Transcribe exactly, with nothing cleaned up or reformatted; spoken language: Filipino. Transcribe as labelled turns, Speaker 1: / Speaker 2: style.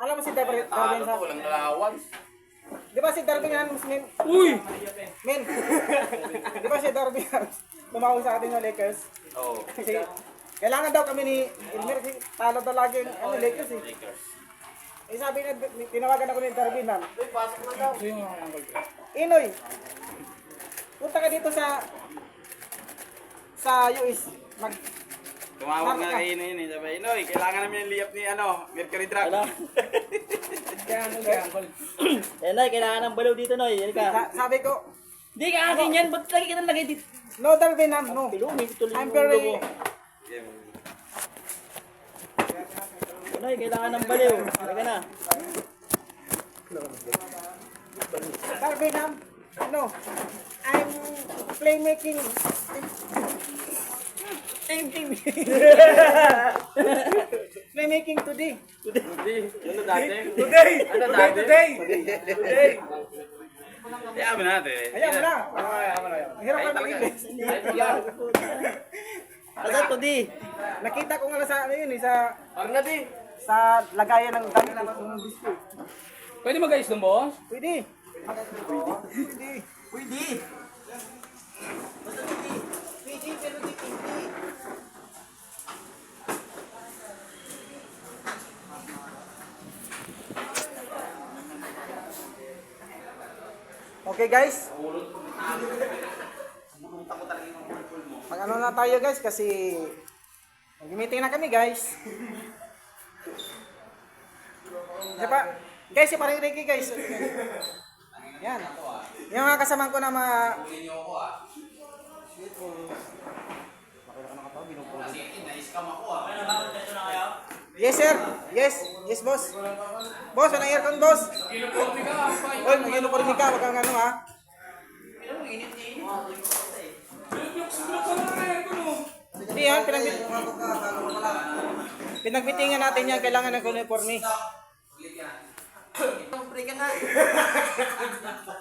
Speaker 1: Alam mo si Darwin, Darwin sa...
Speaker 2: Walang lalawan.
Speaker 1: Di ba si Darwin yan, men?
Speaker 3: Uy!
Speaker 1: Men! Di ba si Darwin yan? Tumawag sa atin ng Lakers.
Speaker 2: Oo.
Speaker 1: Kasi kailangan daw kami ni Elmer kasi talo daw lagi yung ano, Lakers eh.
Speaker 2: Lakers.
Speaker 1: Eh sabi na, tinawagan ako ni Darwin ma'am.
Speaker 2: Pasok na daw.
Speaker 3: Ito yung mga uncle ko.
Speaker 1: Inoy, punta ka dito sa sa U S. Mag,
Speaker 2: Tumawag nga kayo na yun eh. Sabi, Inoy, kailangan namin yung liyap ni ano, Mercury Drug.
Speaker 3: Kaya uncle, kaya uncle.
Speaker 4: Eh, Noy, kailangan ng baliw dito, Noy. Yan ka.
Speaker 1: sa, sabi ko,
Speaker 4: Hindi ka akin yan. Ba't lagi kita lagay dito?
Speaker 1: no Darwin ma'am, no.
Speaker 4: Pilumi, tuloy
Speaker 1: I'm
Speaker 4: yung
Speaker 1: very,
Speaker 4: ulo mo. Noy, kailangan ng baliw. Talaga na.
Speaker 1: Darwin ma'am, no. I'm playmaking. Playmaking today.
Speaker 2: Ano dati?
Speaker 3: Today!
Speaker 2: Ano
Speaker 3: Today!
Speaker 2: dati?
Speaker 3: Today! Today!
Speaker 2: Hayaan mo natin.
Speaker 1: Ayan mo na.
Speaker 3: Ay, ama na yan.
Speaker 1: Hirap
Speaker 2: Ay,
Speaker 1: ka
Speaker 2: talaga.
Speaker 1: mag-English.
Speaker 4: Asa to, di?
Speaker 1: Nakita ko nga sa ano yun eh, sa
Speaker 2: Parang na di.
Speaker 1: sa lagayan ng damit ng disco.
Speaker 3: Pwede mag-ayos ng boss?
Speaker 1: Pwede. Pwede.
Speaker 4: Pwede.
Speaker 1: Pwede, pero di pwede. Okay guys. Mag ano na tayo guys kasi mag-meeting na kami guys. Diba? Guys, si Paring Ricky guys. Yan. Yung mga kasamahan ko na mga... Yes sir. Yes. Yes boss. Boss, ano aircon boss?
Speaker 3: Uniforme ka,
Speaker 1: Oy, mag-uniforme ka, wag kang ano ha.
Speaker 3: Sulok ka na kaya ko no.
Speaker 1: Hindi yan, pinagbit... Pinagbitingan natin yan, kailangan ng uniforme.
Speaker 4: Pre ka nga.